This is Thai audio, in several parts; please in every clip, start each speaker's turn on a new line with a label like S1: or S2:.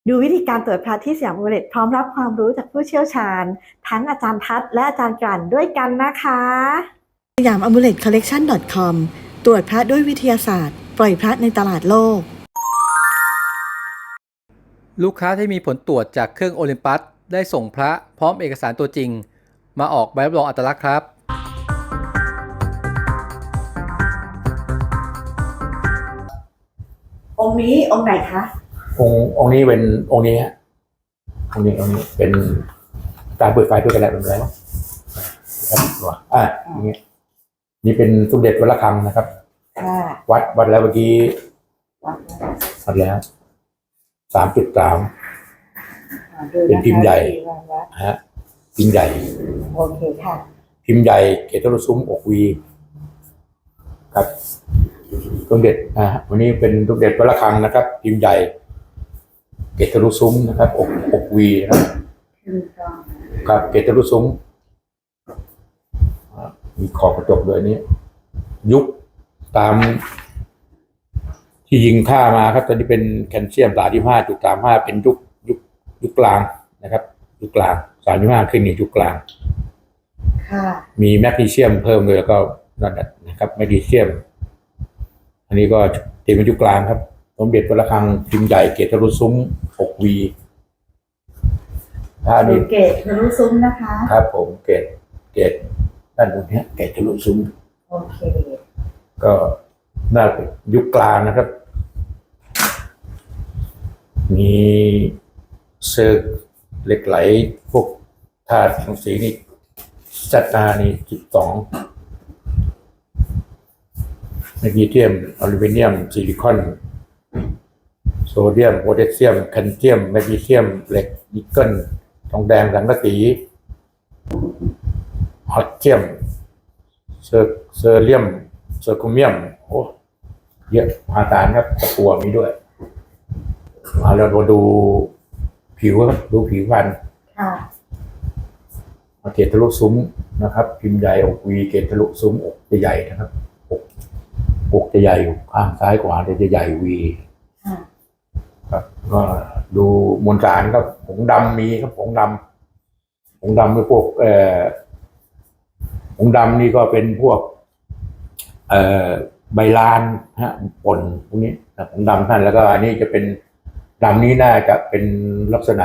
S1: ดูวิธีการตรวจพระที่สยามอุเรตพร้อมรับความรู้จากผู้เชี่ยวชาญทั้งอาจารย์ทัศน์และอาจารย์กลั่นด้วยกันนะคะสยามอ m u l e t collection com ตรวจพระด้วยวิทยาศาสตร์ปล่อยพระในตลาดโลก
S2: ลูกค้าที่มีผลตรวจจากเครื่องโอลิมปัสได้ส่งพระพร้อมเอกสารตัวจริงมาออกใบรับรองอัตลักษณ์ครับ
S1: องค์นี้องค์ไหนคะ
S3: องค์นี้เป็นองค์นี้ฮะองค์นี้เป็นการเปิดไฟเพื่อกระแลเป็นอะไรวะครับอย่างเงี้ยนี่เป็นสมเด็จวัดระฆังนะครับวัดแล้วเมื่อกี้วัดแล้ว3.3เป็นพิมพ์ใหญ่ฮะพิมพ์ใหญ่
S1: โอเคค่ะ
S3: พิมพ์ใหญ่เกตรุซุ้มอกวีครับสมเด็จวันนี้เป็นสมเด็จวัดระฆังนะครับพิมพ์ใหญ่เกตรุซุ้มนะครับอกวีนะครับเกตรุซุ้มมีขอบกระจกด้วยนี้ยุคตามที่ยิงค่ามาครับตอนนี้เป็นแคลเซียม35.35เป็นยุคกลางนะครับยุคกลาง35ขึ้นยุคกลางมีแมกนีเซียมเพิ่มเลยแล้วก็นั่นนะครับแมกนีเซียมอันนี้ก็ตีเป็นยุคกลางครับสมเด็จวัดระฆังพิมพ์ใหญ่เกตรุซุ้มอกวี
S1: เกตทะลุซุ้มนะคะ
S3: ครับผมเกตด้านบนนี้เกตทะลุซุ้ม
S1: โอเค
S3: ก็น่าเป็นยุคกลางนะครับมีเซิร์ฟเหล็กไหลพวกธาตุของสีนี่จัดนานี่12แมกนีเซียมอลูมิเนียมซิลิคอนโซเดียมโพแทสเซียมแคลเซียมแมกนีเซียมเหล็กนิกเกิลทองแดงสังกะสีฮอตเจียมเซอร์เลียมเซอร์โคเมียมโอ้เยอะมหาศาลครับตะกั่วมีด้วยเราดูผิวครับดูผิวพันธุ์เกตทะลุซุ้มนะครับพิมพ์ใหญ่อกวีเกตทะลุซุ้มอกจะใหญ่นะครับอกจะใหญ่ข้างซ้ายขวาจะใหญ่วีครับก็ดูมวลสารครับผงดำมีครับผงดำคือพวกผงดำนี่ก็เป็นพวกใบลานป่นพวกนี้ผงดำท่านแล้วก็อันนี้จะเป็นดำนี้น่าจะเป็นลักษณะ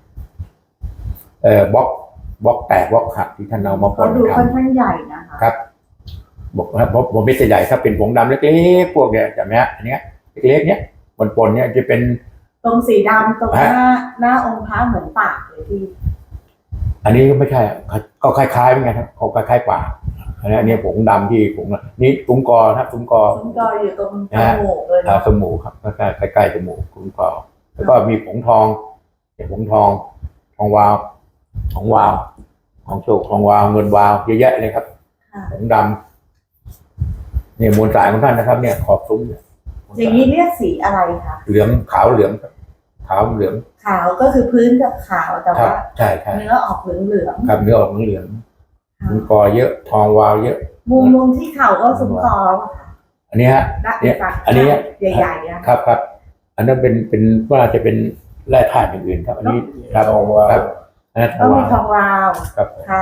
S3: บล็อกแตกบล็อกหักที่ท่านเอามาป่น
S1: ดูค่อนข้างใหญ่นะคะ
S3: ครับบอกครับผมไม่ใช่ใหญ่ถ้าเป็นผงดำเล็กๆพวกเนี้ยจำไหมฮะอันเนี้ยเล็กๆเนี้ยปนเนี่ยจะเป็น
S1: ตรงสีดำตรงหน้าองค์พระเหมือนปากเลยพี่
S3: อันนี้ก็ไม่ใช่ก็คล้ายๆเหมือนกันครับเขาคล้ายๆปากอันนี้ผงดำที่ผงนี่ตุ้งกอครับตุ้งกอ
S1: อยู่ตรงจมูกเลย
S3: จมูกครับใกล้ๆจมูกตุ้งกอแล้วก็มีผงทองผงทองวาวของโชคทองวาวเงินวาวเยอะแยะเลยครับผงดำเนี่ยมวลสารของท่านนะครับเนี่ยขอบซุ้ม
S1: อย่างนี้เรียกสีอะไรคะ
S3: เหลืองขาวเหลืองขาวเหลือง
S1: ขาวก็คือพื้นจะขาวแต่ว่า
S3: ใช่
S1: เนื้อออกเหลือง
S3: ครับเนื้อออกเหลืองซุ้มกอเยอะทองวาวเยอะ
S1: มุมที่เข่าก็ซุ้มกอ
S3: อันนี้ฮะเนี่ยอันนี้
S1: ใหญ่ๆ
S3: ครับอันนั้นเป็นว่าจะเป็นแร่ธาตุอย่างอื่นครับอันนี้
S1: ทองวาวต้องมีทองวาว
S3: ครับ
S1: ค่ะ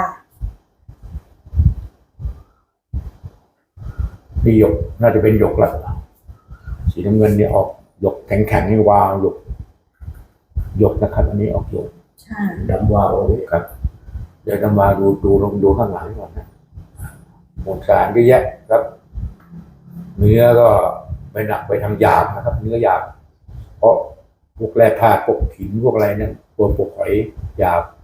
S3: มีหยกน่าจะเป็นหยกละสีน้ำเงินเนี่ยออกหยกแข็งๆนี่วาวหยกนะครับอันนี้ออกหยกดำวาวครับเดี๋ยวดำวาวลองดูข้างหลังก่อนนะมวลสารเยอะแยะครับเนื้อก็ไปหนักไปทางหยาบนะครับเนื้อหยาบเพราะพวกแร่ธาตุพวกหินพวกอะไรเนี่ยตัวพวกหอยหยาบ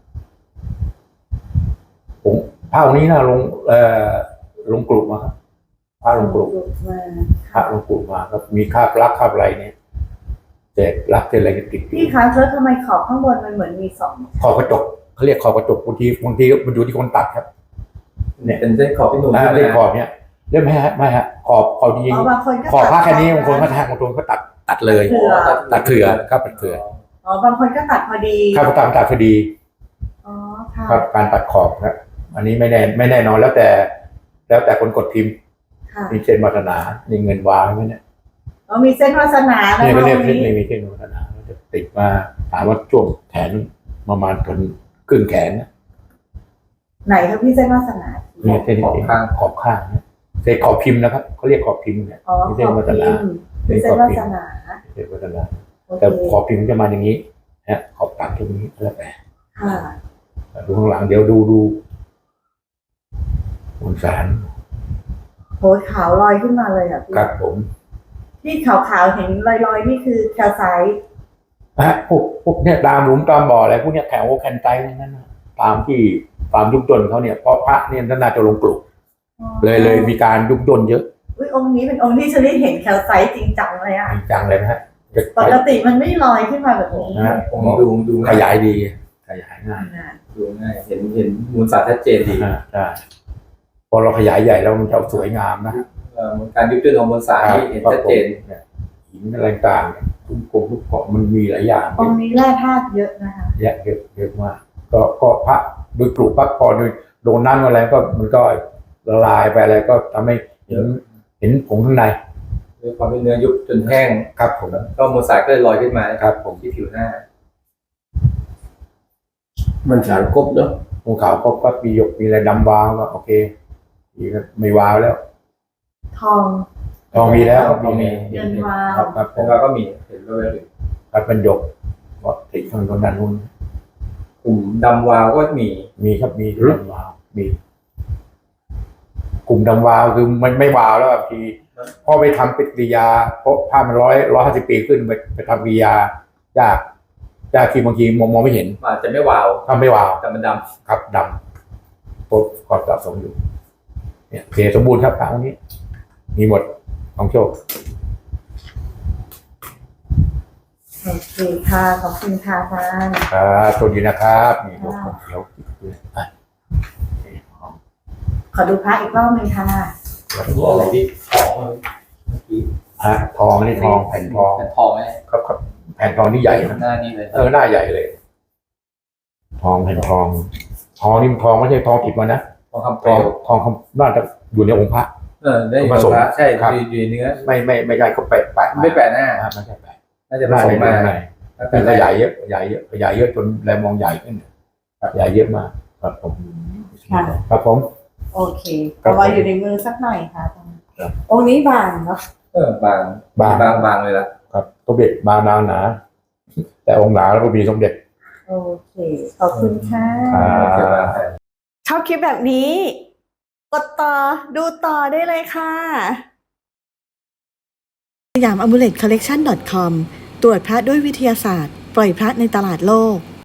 S3: ผมผ้านี้นะลงกลุ่มมาครับผ้าลงกลุ่มมาครับมีคราบลักคราบอะไรเนี่ยเศษลักเศษอะไรติด
S1: พี่คะแล้วทำไมขอบข้างบนมันเหมือนมี
S3: ขอบกระจกเขาเรียกขอบกระจกบางทีมันอยู่ที่คนตัดครับ
S2: เนี่ยเป็นเส้นขอบที่หนู
S3: เส้นขอบเนี่ยเรื่องไม่ฮะขอบจริงขอบผ้าแค่นี้บางคนก็บางคนก็ตัดเลยตัดเถื่อครับตัดเถื่
S1: อบางคนก็ตัดพอดี
S3: ครับตัดพอดีครับการตัดขอบครับอันนี้ไม่แน่นอนแล้วแต่คนกดพิมพ์มีเส้นวาสนามีเงินวางไหมเนี่ย
S1: มีเส้นวาสนา
S3: เนี่ยก็เรียกมีเส้นวาสนาจะติดมาถามว่าช่วงแขนประมาณถึงครึ่งแขนนะ
S1: ไหนครับพี่เส้นวาสนา
S3: เนี่ยเส้นขอบข้างนะเส้นขอบพิมพ์นะครับเขาเรียกขอบพิมพ์เนี่ย
S1: อ๋อ
S3: ไม่
S1: ข
S3: ใช่
S1: อบ
S3: วัฒ
S1: พิ
S3: นาม
S1: พ์พี่เส้นวาสนา
S3: เส้นวัฒนา
S1: โอเค
S3: แต่ขอบพิมพ์จะมาอย่างนี้นะขอบตัดตรงนี้แล้วแต่
S1: ค่ะ
S3: ดูข้างหลังเดี๋ยวดูมวลสาร
S1: โหขาวลอยขึ้นมาเลยอ่ะพี่
S3: ครับผม
S1: ที่ขาวๆเห็นลอยๆนี่คือแคลไซต์
S3: พวกเนี่ยตามหลุมตามบ่ออะไรพวกเนี้ยแถวแคนไตนั่นนะตามที่ตามยุบย่นเขาเนี่ยเพราะพระเนี่ยน่าจะลงกลุ่มเลยมีการยุบย่นเยอะ
S1: อุ้ยองค์นี้เป็นองค์ที่ฉันได้เห็นแคลไซต์จริงจังเลยอ่ะ
S3: จริงจังเลยนะฮะ
S1: ปกติมันไม่ลอยขึ้นมาแบบนี้
S3: นะฮะ
S2: ผมดู
S3: ขยายดีขยายง่าย
S2: ดูง่ายเห็นมูลสารชัดเจนดี
S3: ใช่พอเราขยายใหญ่แล้วมันจะสวยงามนะ
S2: การยุบย่นของมวลสารที่เห็นชัดเจน
S3: หินอะไรต่างๆทุกกลมทุกเกาะมันมีหลายอย่าง
S1: องค์นี้แร่ธาตุเยอะนะคะ
S3: เยอะมากก็พระโดยกลุ่มพระพอโดนน้ำอะไรก็มันก็ละลายไปอะไรก็ทำให้เห็นผงข้างใน
S2: ด้วยความที่เนื้อยุบจนแห้ง
S3: ครับผม
S2: ก็มวลสารก็เลยลอยขึ้นมา
S3: ครับผม
S2: ที่ผิวหน้า
S3: มันสารครบเนาะภูเขาก็มีหยกมีอะไรดำวาวก็โอเคมีก็ไม่วาวแล้ว
S1: ทอง
S3: ทองมีแล้ว
S2: ทองมี
S1: เงินวาว
S3: ครับผ
S2: แล้ว
S3: ม
S2: เราก็มีเห็นด้วย
S3: ครับเป็นหยกก็ติดข้างบนด้านนู้น
S2: กลุ่มดำวาวก็มี
S3: มีครับมีดำวาวมีกลุ่มดำวาวคือมันไม่วาวแล้วบางทีพอไปทำปฏิกิริยาเพราะผ้ามัน150 ปีขึ้นไปทำปฏิกิริยายากที่บางทีมองไม่เห็น
S2: อาจจะไม่วาว
S3: ทำไม่วาว
S2: แต่มันด
S3: ครับดำปุ๊บก็สะสมอยู่เนี่ยโอเคสมบูรณ์ครับพระองค์นี้ มีหมดของโชค
S1: โอเคค่ะขอบคุณค่ะท่าน
S3: ครับสวัสดีนะครับนี่พวกของเขียวอ่ะ
S1: ขอดูพระอีกรอบหนึงค่ะ
S2: ำอะไรที่ของเมื่อกี้
S3: ฮะทองนี่ทองแผ่นทอง
S2: เป็นทองไหม
S3: ครับแผ่นทองนี่ใหญ่นะ
S2: หน้านี้เลย
S3: หน้าใหญ่เลย ทองแผ่นทองนี่มันทองไม่ใช่ทองติดมานะ
S2: ทองคำเป
S3: ท
S2: ล
S3: อง
S2: ว
S3: ทองคำน่าจะอยู่ในองค์พระ
S2: ได้อยู่
S3: ผสม
S2: พระใช่
S3: ครับ
S2: อยู่ในเนื้อ
S3: ไม่ใช่เขาแปะ
S2: ไม่แปะหน้า
S3: ไม่ใช่แปะ
S2: น่าจะผ
S3: หน้า
S2: สม
S3: ใน
S2: มา
S3: ในแต่ขยายเยอะขยายเยอะจนแลมองใหญ่ขึ้นขยายเยอะมากครับผม
S1: ค่ะ
S3: ครับผม
S1: โอเค
S3: ครับ
S1: เอาไว้อยู่ในมือสักหน่อยค่ะ
S3: ครับ
S1: องค์นี้บางเนาะ
S2: บางเลยละ
S3: ครับสมเด็จบางนางหนา แต่องค์หนาแล้วก็มีสมเด็จ
S1: โอเค ขอบคุณค่ะ
S3: ครับ
S1: ชอบคลิปแบบนี้ กดต่อดูต่อได้เลยค่ะสยาม amulet collection com ตรวจพระด้วยวิทยาศาสตร์ ปล่อยพระในตลาดโลก